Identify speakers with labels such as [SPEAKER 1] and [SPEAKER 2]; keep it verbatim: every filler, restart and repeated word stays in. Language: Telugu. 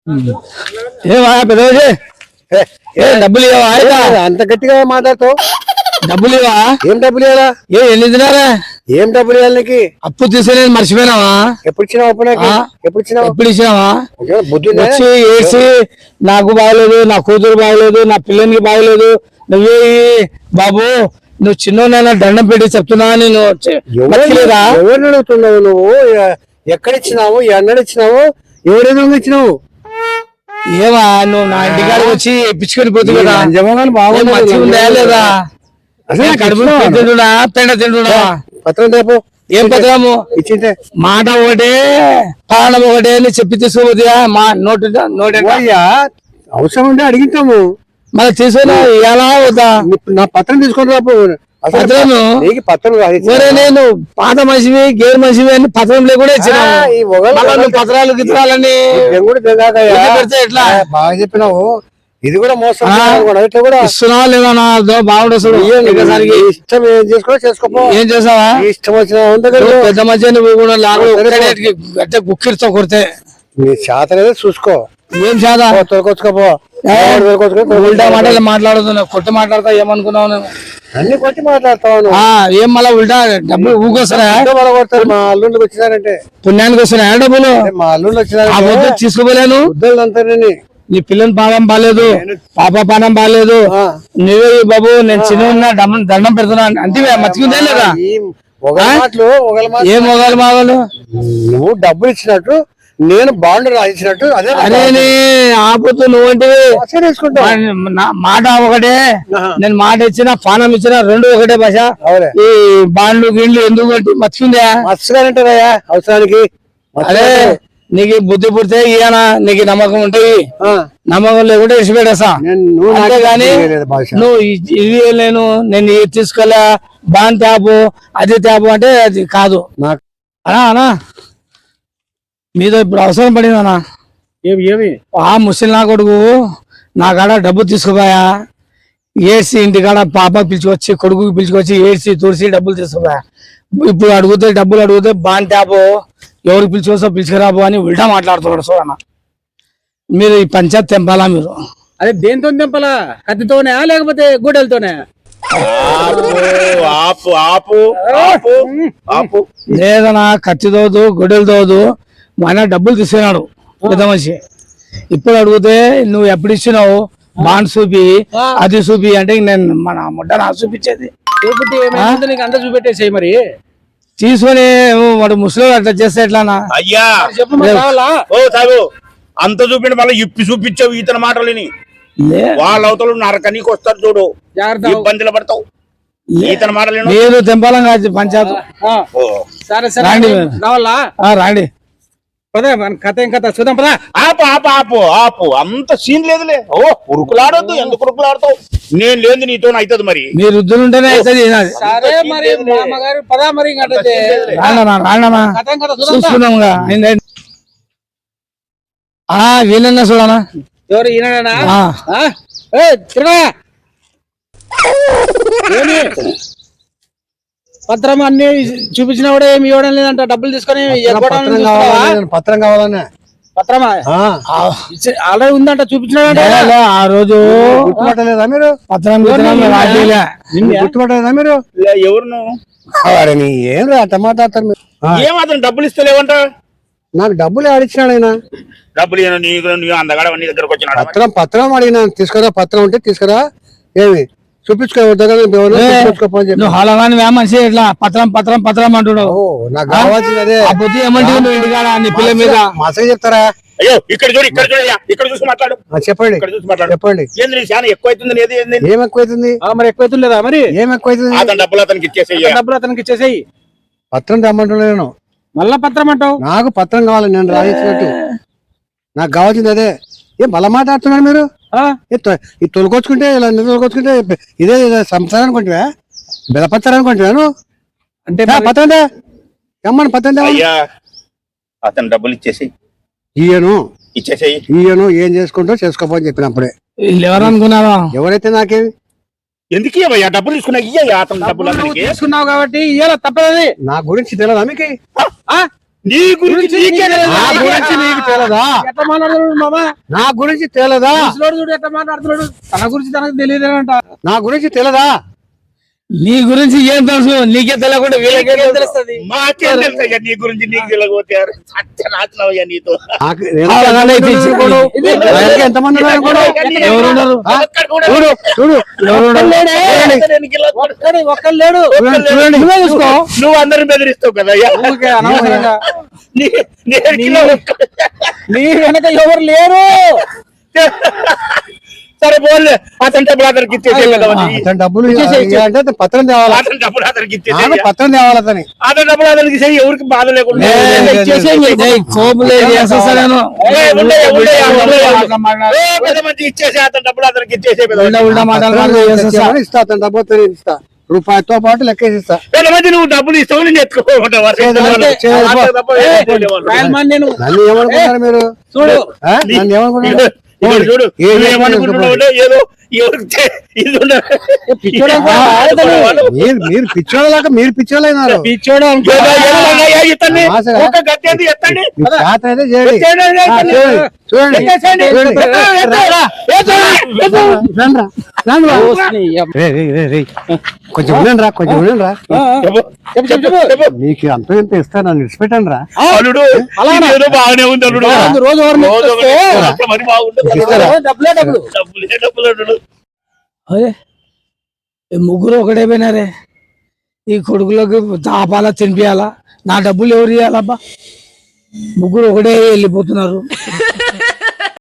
[SPEAKER 1] ఏమా పెద్దవాజీ ఏ డబ్బులు ఇవ్వవా అయితే?
[SPEAKER 2] అంత గట్టిగా మాట్లాడుతావు.
[SPEAKER 1] డబ్బులు ఇవ్వా?
[SPEAKER 2] ఏం డబ్బులు ఇవ్వాలా?
[SPEAKER 1] ఏ ఎన్ని తినారా?
[SPEAKER 2] ఏం డబ్బులు ఇవ్వాలి నీకు?
[SPEAKER 1] అప్పు తీసుకుని మర్చిపోయినావా?
[SPEAKER 2] ఎప్పుడు ఇచ్చినావు అప్పు? నాకు ఎప్పుడు ఇచ్చినావు?
[SPEAKER 1] ఎప్పుడు ఇచ్చినావా?
[SPEAKER 2] బుద్ధి
[SPEAKER 1] వచ్చి ఏసి నాకు బాగలేదు, నా కూతురు బాగలేదు, నా పిల్లలకి బాగలేదు, నువ్వే బాబు నువ్వు చిన్నోనైనా దండం పెట్టి చెప్తున్నా. నేను
[SPEAKER 2] ఎవరిని అడుగుతున్నావు నువ్వు? ఎక్కడ ఇచ్చినావు? ఎన్నడు ఇచ్చినావు? ఎవరైనా ఇచ్చినావు?
[SPEAKER 1] ఏమా నువ్వు నా ఇంటికాడికి వచ్చి ఇప్పించుకొని పోతుంది కదా,
[SPEAKER 2] జమగాని బాగుంది
[SPEAKER 1] మంచిగా లేదా? కడుపు తింటున్నా పెండ తింటున్నా.
[SPEAKER 2] పత్రం రేపు
[SPEAKER 1] ఏం పత్రము
[SPEAKER 2] ఇచ్చింటే?
[SPEAKER 1] మాట ఒకటే పాలన ఒకటే అని చెప్పి తీసుకోబోతుందా? మా నోటు నోటే
[SPEAKER 2] అవసరం ఉంటే అడిగితాము.
[SPEAKER 1] మళ్ళీ తీసుకున్నా ఎలా అవుతా?
[SPEAKER 2] నా పత్రం తీసుకొని రాపు.
[SPEAKER 1] పత్రము
[SPEAKER 2] పత్రం
[SPEAKER 1] నేను పాత మనిషివి గేర్ మనిషివి అని పత్రం లేకుండా ఇచ్చిన పత్రాలు గిత్రాలని పెడితే ఎట్లా?
[SPEAKER 2] బాగా చెప్పినావు. ఇది కూడా మోసం కూడా
[SPEAKER 1] ఇస్తున్నావా లేదా? బాగుండదు
[SPEAKER 2] ఇష్టం ఏం చేసుకో చేసుకోపో.
[SPEAKER 1] ఏం చేసావా?
[SPEAKER 2] ఇష్టం వచ్చిన
[SPEAKER 1] పెద్ద మధ్య నువ్వు కూడా గట్టే గుక్కిరితో కొడితే
[SPEAKER 2] నీ చేత లేదా చూసుకో.
[SPEAKER 1] ఏం చేత
[SPEAKER 2] తొలకొచ్చుకోపో.
[SPEAKER 1] ఉల్టా మాటలు మాట్లాడుతున్నావు, కొట్టి మాట్లాడతా ఏమనుకున్నావు? నేను
[SPEAKER 2] అన్ని కొట్టి మాట్లాడతావు.
[SPEAKER 1] ఏం మళ్ళా ఉల్టా డబ్బులు ఊకొస్తారా?
[SPEAKER 2] మా అల్లుండికి వచ్చినారంటే
[SPEAKER 1] పుణ్యానికి వస్తున్నాయా డబ్బులు?
[SPEAKER 2] మా అల్లుండి వచ్చినారు
[SPEAKER 1] తీసుకోలేను.
[SPEAKER 2] అంతా
[SPEAKER 1] నీ పిల్లల పానం బాగాలేదు, పాప పానం బాగాలేదు, నువ్వే బాబు నేను చిన్న దండం పెడుతున్నా అంటే మర్చిపోయిందే లేదా? ఏం మొగాలు మాగలు?
[SPEAKER 2] నువ్వు డబ్బులు ఇచ్చినట్టు నేను బాండ్ రాయించినట్టు అదే
[SPEAKER 1] అదే ఆపుతూ నువ్వంటే మాట ఒకటే. నేను మాట ఇచ్చిన పానం ఇచ్చిన రెండు ఒకటే భాష. ఈ బాండ్లు గిళ్ళు ఎందుకు అంటే మర్చిపోయిందా?
[SPEAKER 2] మర్చిపోయారంటారయ్యా అవసరానికి.
[SPEAKER 1] అదే నీకు బుద్ధి పుడితే ఈయన నీకు నమ్మకం ఉంటాయి, నమ్మకం లేకుంటే ఇచ్చిపెట్టేస్తా. అంతేగాని నువ్వు ఇది లేను నేను ఇది తీసుకోలే బాన్ ట్యాపు అది ట్యాపు అంటే అది కాదు. అనా అనా మీద ఇప్పుడు అవసరం పడిందనా?
[SPEAKER 2] ఏమి ఏమి
[SPEAKER 1] ఆ ముసలి నా కొడుకు నా కాడ డబ్బు తీసుకుపోయా, ఏడ్చి ఇంటికాడ పాప పిలుచుకొచ్చి కొడుకు పిలుచుకొచ్చి ఏడ్చి తుడిసి డబ్బులు తీసుకుపోయా. ఇప్పుడు అడిగితే డబ్బులు అడిగితే బాన్ ట్యాపు ఎవరికి పిలుచుకొస్తా పిలుచుకురాబో అని ఉల్టా మాట్లాడుతున్నాడు. చూడన్న మీరు ఈ పంచాయత్ తెంపాలా? మీరు
[SPEAKER 2] అదే దేంతో తెంపాలా? కత్తితోనే లేకపోతే గూడెలతోనే?
[SPEAKER 1] లేదనా కత్తి తోదు గొడ్డలు తోదు. ఆయన డబ్బులు తీసుకున్నాడు పెద్ద మనిషి. ఇప్పుడు అడిగితే నువ్వు ఎప్పుడు ఇచ్చినావు బాండ్ చూపి అది చూపి అంటే నేను మన ముడ్డ నా చూపించేది
[SPEAKER 2] అంతా చూపెట్టేసాయి. మరి
[SPEAKER 1] తీసుకొని వాడు ముసలి అట్లా చేస్తే ఎట్లానా?
[SPEAKER 3] అయ్యా అంత చూపిండి మళ్ళీ ఇప్పి చూపించావు ఇతని మాటలని. వాళ్ళ అవతలు నరకనీకి వస్తారు చూడు, ఇబ్బందులు పడతావు. ఇతని మాటలు
[SPEAKER 1] లేదు తెంపాలం కాదు పంచాయత్. రాండి
[SPEAKER 2] కథ ఏం కథ చూద్దాం పదా.
[SPEAKER 3] ఆపు ఆపు ఆపు ఆపు అంత సీన్ లేదులే. ఓ ఉరుకులాడొద్దు. ఎందుకు ఉరుకులాడతావు? నేను లేదు నీతో అవుతుంది. మరి
[SPEAKER 1] మీరు వృద్ధులుంటేనే అవుతుంది. చూసుకున్నాం వీళ్ళన్నా చూడనా?
[SPEAKER 2] ఎవరు ఈయననా? పత్రం అన్ని చూపించిన కూడా ఏమి ఇవ్వడం లేదంట. డబ్బులు తీసుకొని పత్రం కావాలన్నా పత్రమా ఆల్రెడీ ఉందంట చూపించినాడంట.
[SPEAKER 1] ఆ రోజు
[SPEAKER 2] గుర్తుపట్టలేదా మీరు?
[SPEAKER 1] పత్రం
[SPEAKER 2] గుర్తుపట్టలేదా మీరు?
[SPEAKER 3] ఎవరు నువ్వు?
[SPEAKER 2] ఏం అట్ట మాట్లాడతారు మీరు?
[SPEAKER 3] ఏమాత్రం డబ్బులు ఇస్తలేవంట?
[SPEAKER 2] నాకు డబ్బులు ఆడిచ్చినాడు ఆయన.
[SPEAKER 3] డబ్బులు అందగాడ నీ దగ్గరకు వచ్చిన
[SPEAKER 2] పత్రం పత్రం అడిగినా తీసుకురా. పత్రం ఉంటే తీసుకురా. ఏమి చూపించుకోపోని
[SPEAKER 1] హలవాని మనిషి ఇట్లా పత్రం పత్రం పత్రం అంటున్నావు.
[SPEAKER 2] నాకు కావాల్సింది అదే.
[SPEAKER 1] ఏమంటే ఇంటికాడ నీ పిల్ల మీద
[SPEAKER 2] మసగా చెప్తారా?
[SPEAKER 3] అయ్యో ఇక్కడ చూడు ఇక్కడ చూడు ఇక్కడ చూసి మాట్లాడు.
[SPEAKER 2] చెప్పండి చెప్పండి.
[SPEAKER 3] ఎక్కువ అవుతుంది.
[SPEAKER 2] ఏం ఎక్కువైతుంది? మరి ఎక్కువైతుంది లేదా? మరి ఏం ఎక్కువైతుంది?
[SPEAKER 3] డబ్బులు అతనికి ఇచ్చేసేయి.
[SPEAKER 2] డబ్బులు అతనికి ఇచ్చేసేయి. పత్రం తెమ్మంటున్నాను. మళ్ళా పత్రం అంటావు? నాకు పత్రం కావాలి, నేను రాయించినట్టు. నాకు కావాల్సింది అదే. ఏం బల మాట్లాడుతున్నారు మీరు? ఈ తొలకొచ్చుకుంటే ఇలా తొలకొచ్చుకుంటే ఇదే సంసారం అనుకుంటువా? బెదపత్తారు అనుకుంటున్నాను అంటే పత్రం తెమ్మని పత్రం
[SPEAKER 3] అతను డబ్బులు ఇచ్చేసి
[SPEAKER 2] ఇయ్యను
[SPEAKER 3] ఇచ్చేసేయి.
[SPEAKER 2] ఇయ్యను ఏం చేసుకుంటో చేసుకోపోని చెప్పినప్పుడే.
[SPEAKER 1] ఎవరు అనుకున్నావా?
[SPEAKER 2] ఎవరైతే నాకేమి
[SPEAKER 3] ఎందుకు ఇవ్వయ్యా డబ్బులు తీసుకున్నా? ఇయ్యా అతను డబ్బులు తీసుకున్నావు
[SPEAKER 2] కాబట్టి ఇయ్యాల తప్పదు. నా గురించి తెలియదా మీకు?
[SPEAKER 3] నీ గురించి నీకే తెలియదు.
[SPEAKER 2] నా గురించి నీకు తెలదా?
[SPEAKER 1] ఎట్లా మాట్లాడుతున్నాడు మామా?
[SPEAKER 2] నా గురించి తెలదా?
[SPEAKER 1] ముసలోడు చూడు ఎట్లా మాట్లాడుతున్నాడు. తన గురించి తనకు తెలియదేనంట.
[SPEAKER 2] నా గురించి తెలదా?
[SPEAKER 1] నీ గురించి ఏం తెలుసు? నీకే తెలియకుండా వీళ్ళకే తెలుస్తుంది.
[SPEAKER 3] మాకేం తెలుసయ్యా నీ గురించి నీకు తెలియకపోతే సత్యనాశనమయ్యా నీతో.
[SPEAKER 2] నాకు అలాగనే తీసుకోడు. ఆయనకి ఎంతమంది ఉన్నారు అనుకోడు?
[SPEAKER 1] ఎవరున్నారు?
[SPEAKER 2] ఆ? చూడు చూడు ఎవరున్నారు?
[SPEAKER 1] ఒక్కడే ఒక్కడు లేడు.
[SPEAKER 2] చూడండి.
[SPEAKER 1] నువ్వే చూసుకో.
[SPEAKER 3] నువ్వు అందరిని బెదిరిస్తావు కదా అయ్యా.
[SPEAKER 1] ఊరికే అనవసరంగా.
[SPEAKER 3] నీ- నీ ఎరికిలో ఒక్కడు.
[SPEAKER 1] నీ వెనక ఎవరు లేరు.
[SPEAKER 3] సరే పోలే అతని డబ్బులు అతనికి ఇచ్చేసే కదా మరి.
[SPEAKER 2] అతని డబ్బులు ఇవ్వాలంటే అతను పత్రం తేవాలి.
[SPEAKER 3] అతని డబ్బులు అతనికి
[SPEAKER 2] నాకు
[SPEAKER 3] ఇచ్చేసే
[SPEAKER 2] పత్రం తేవాలి అతని.
[SPEAKER 3] అతని డబ్బులు అతనికి ఇచ్చేయి. ఎవరికి బాధ లేకుండా
[SPEAKER 2] లే, లే, లే,
[SPEAKER 3] ఏ, ఉండయ్యా, ఉండయ్యా, ఉండయ్యా. ఏ, పెద్ద మంచి ఇచ్చేసే అతని డబ్బులు అతనికి ఇచ్చేసే పెద్ద మంచి.
[SPEAKER 2] తెచ్చేయమని ఇస్తా అతని డబ్బు అతను ఇస్తా. రూపాయితో పాటు లెక్కేసి ఇస్తా.
[SPEAKER 3] పెద్ద మంచి నువ్వు డబ్బులు ఇస్తావు నేను ఎత్తుకోమంటావా?
[SPEAKER 2] నన్ను ఏమనుకుంటున్నారు మీరు?
[SPEAKER 1] చూడు
[SPEAKER 2] ఆ? నన్ను ఏమనుకుంటున్నారు?
[SPEAKER 3] ఇక్కడ చూడు
[SPEAKER 2] ఏ-
[SPEAKER 3] నువ్వు ఏమనుకుంటున్నావు అంటే ఏదో ఎవరికి చే- ఇది ఉండదు.
[SPEAKER 2] మీరు మీరు పిచ్చోళ్ళలాగా మీరు పిచ్చోళ్ళైనారు.
[SPEAKER 1] పిచ్చోడు అనుకో.
[SPEAKER 3] ఏదో ఏమన్నా ఇతన్ని
[SPEAKER 2] ఆశగా.
[SPEAKER 3] ఒక గట్టేది ఎత్తండి.
[SPEAKER 2] మీకు చేత అయితే చేయండి.
[SPEAKER 3] చేయండి,
[SPEAKER 2] ఆ,
[SPEAKER 3] చేయండి.
[SPEAKER 2] చూడండి చూడండి
[SPEAKER 3] ఎత్తేసేయండి.
[SPEAKER 2] చూడండి.
[SPEAKER 3] ఎత్తు, ఎత్తు, ఎత్తు, ఎత్తు.
[SPEAKER 2] రండ్రా, రండ్రా. రేయ్, రేయ్, రేయ్, రేయ్. కొంచెం ఉండండి రా కొంచెం ఉండండి రా.
[SPEAKER 3] చెప్పు, చెప్పు, చెప్పు, చెప్పు.
[SPEAKER 2] మీకు అంత ఎంత ఇస్తా నన్ను ఇడిచిపెట్టండి రా.
[SPEAKER 3] అల్లుడు ఏదో బాగానే ఉంది అల్లుడు.
[SPEAKER 1] రోజు ఎవరిని
[SPEAKER 3] రోజు
[SPEAKER 1] ఎత్తుకొస్తే
[SPEAKER 3] ఒకటి అట్లా మరి బాగుంటుంది.
[SPEAKER 2] ఇస్తారా?
[SPEAKER 1] డబ్బులే డబ్బులు.
[SPEAKER 3] డబ్బులే డబ్బులు అల్లుడు.
[SPEAKER 1] అదే ఈ ముగ్గురు ఒకటే పోయినారే. ఈ కొడుకులకు తాపాలా తినిపియాలా? నా డబ్బులు ఎవరు ఇవ్వాలబ్బా? ముగ్గురు ఒకటే వెళ్ళిపోతున్నారు.